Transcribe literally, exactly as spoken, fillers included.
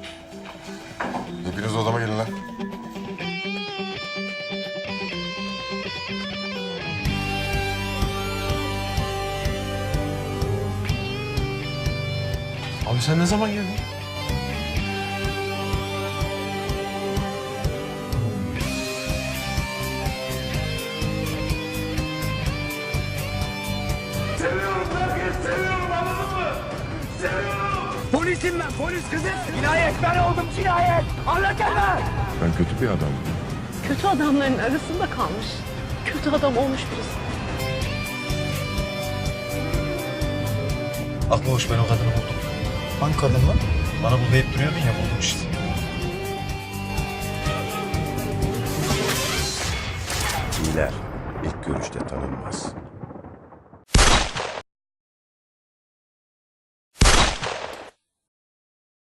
Hepiniz odama gelin lan. Abi sen ne zaman geldin? Seviyorum herkes, seviyorum anladın mı? Seviyorum. Polisim ben, polis kızım. Cinayet ben oldum, cinayet. Anlatana. Ben kötü bir adamım. Kötü adamların arasında kalmış. Kötü adam olmuş birisi. Aklı hoş, ben o kadını buldum. Hangi kadın lan? Bana burada hep duruyordun ya, buldum işte. İyiler ilk görüşte tanınmaz.